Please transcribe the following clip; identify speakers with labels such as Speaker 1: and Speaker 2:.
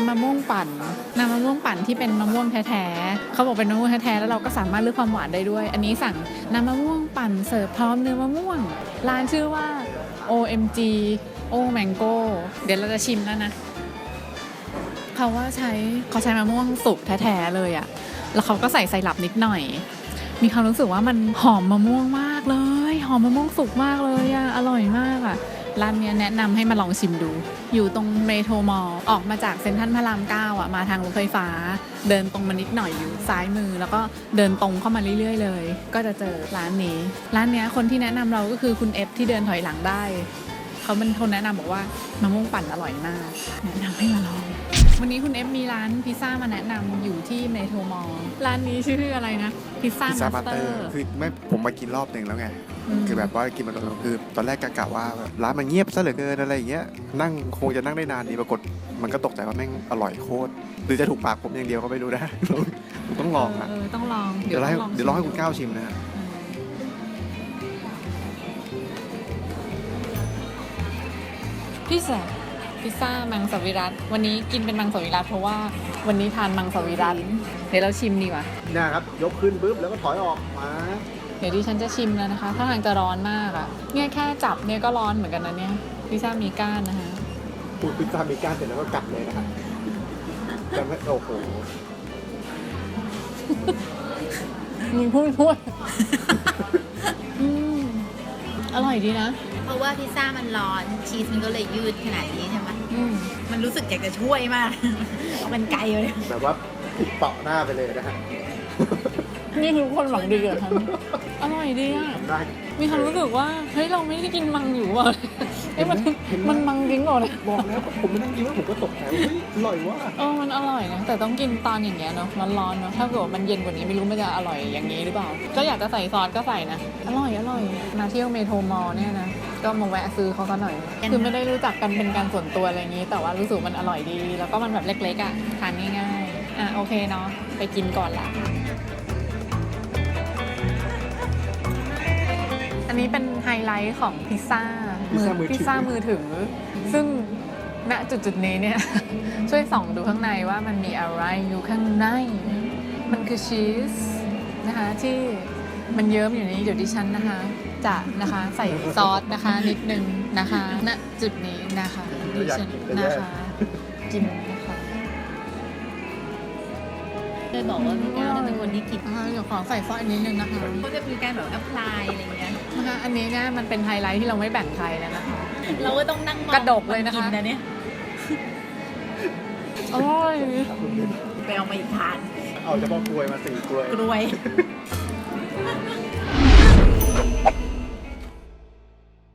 Speaker 1: ำมะม่วงปั่นน้ำมะม่วงปั่นที่เป็นมะม่วงแท้ๆเขาบอกเป็นมะม่วงแท้ๆแล้วเราก็สามารถเลือกความหวานได้ด้วยอันนี้สั่งน้ำมะม่วงปั่นเสิร์ฟพร้อมเนื้อมะม่วงร้านชื่อว่า OMG O Mango เดี๋ยวเราจะชิมแล้วนะเขาใช้มะม่วงสุกแท้ๆเลยอะแล้วเขาก็ใส่ไซรัปนิดหน่อยมีความรู้สึกว่ามันหอมมะม่วงมากเลยหอมมะม่วงสุกมากเลยอะอร่อยมากอะร้านนี้แนะนำให้มาลองชิมดูอยู่ตรงเมโทรมอลล์ออกมาจากเซ็นทรัลพระราม9อะมาทางรถไฟฟ้าเดินตรงมานิดหน่อยอยู่ซ้ายมือแล้วก็เดินตรงเข้ามาเรื่อยๆเลยก็จะเจอร้านนี้คนที่แนะนำเราก็คือคุณเอฟที่เดินถอยหลังได้เขาเป็นคนแนะนำบอกว่ามะม่วงปั่นอร่อยมากแนะนำให้มาลองวันนี้คุณเอฟมีร้านพิซซ่ามาแนะนำอยู่ที่เมโทรมอลล์ร้านนี้ชื่ออะไรนะพิซซ่ามาสเตอร์
Speaker 2: คือไม่ผมมากินรอบหนึ่งแล้วไงคือแบบว่ากินมาคือตอนแรกกะว่าร้านมันเงียบซะเหลือเกินอะไรอย่างเงี้ยนั่งคงจะนั่งได้นานดีปรากฏมันก็ตกใจว่าแม่งอร่อยโคตรหรือจะถูกปากผมอย่างเดียวก็ไม่รู้นะผมต้องลองอ่ะ
Speaker 1: ต้องลอง
Speaker 2: เดี๋ยวลองให้คุณก้าวชิมนะฮะ
Speaker 1: พิซซ่ามังสวิรัติวันนี้กินเป็นมังสวิรัติเพราะว่าวันนี้ทานมังสวิรัติเดี๋ยวเราชิมดีกว่า
Speaker 2: เนี่ยครับยกขึ้นปุ๊บแล้วก็ถอยออกมา
Speaker 1: เดี๋ยวดิฉันจะชิมแล้วนะคะถ้าทางจะร้อนมากอ่ะเนี่ยแค่จับเนี่ยก็ร้อนเหมือนกันนะเนี่ยพิซซ่ามีก้านนะคะ
Speaker 2: พูดพิซซ่ามีก้านเสร็จแล้วก็กัดเลยนะคะแต่ไม่โอ้โห
Speaker 1: มีพูดอร่อยดีนะ
Speaker 3: เพราะว่าพิซซ่ามันร้อนชีสมันก็เลยยืดขนาดนี้ใช่ไหมมันรู้สึกอยากจะช่วยมากเอาเป็นไกลเลย
Speaker 2: แบบว่าผิดเปาะหน้าไปเลยนะฮะ
Speaker 1: นี่คือคนหวังดีเหรอคะอร่อยดีอ่ะมีความรู้สึกว่าเฮ้ยเราไม่ได้กินมังอยู่ว่ะเฮ้ยมันมังจริงเหรอเนี่ย
Speaker 2: บอกแล้วผมไม่ต้องกินแล้วผมก็ตกใจว่าเฮ้ยอร่อยว่ะ
Speaker 1: มันอร่อยนะแต่ต้องกินตอนอย่างเงี้ยเนาะร้อนๆเนาะถ้าเกิดมันเย็นกว่านี้ไม่รู้มันจะอร่อยอย่างนี้หรือเปล่าก็อยากจะใส่ซอสก็ใส่นะอร่อยมาเที่ยวเมโทรมอลเนี่ยนะก็มาแวะซื้อเขาซะหน่อยคือไม่ได้รู้จักกันเป็นการส่วนตัวอะไรอย่างนี้แต่ว่ารู้สึกมันอร่อยดีแล้วก็มันแบบเล็กๆอ่ะทานง่ายๆโอเคเนาะไปกินก่อนละอันนี้เป็นไฮไลท์ของพิซซ่ามือถือซึ่งณจุดนี้เนี่ยช่วยส่องดูข้างในว่ามันมีอะไรอยู่ข้างในมันคือชีสนะคะที่มันเยิ้มอยู่นี้เดี๋ยวดิฉันนะคะจะนะคะใส่ซอสนะคะนิดนึงนะคะณจุดนี้นะคะดิฉันนะคะกินนะคะ
Speaker 3: เคยบอกว่าพี่ก้าวเป็นคนที่กิน
Speaker 1: เดี๋ยวขอใส่ซอสนิดนึงนะคะ
Speaker 3: ก็จะมีการแบบแอพพลายอะไรเงี้ย
Speaker 1: นะคะอันนี้เนี่ยมันเป็นไฮไลท์ที่เราไม่แบ่งใครแล้วนะคะ
Speaker 3: เราก็ต้องนั่ง
Speaker 1: กระดกเลยนะคะ
Speaker 3: เนี่ย
Speaker 1: อร่อย
Speaker 3: ไปเอามาอีกทาน
Speaker 2: เอาเฉพาะกล้วยมา4 กล้วย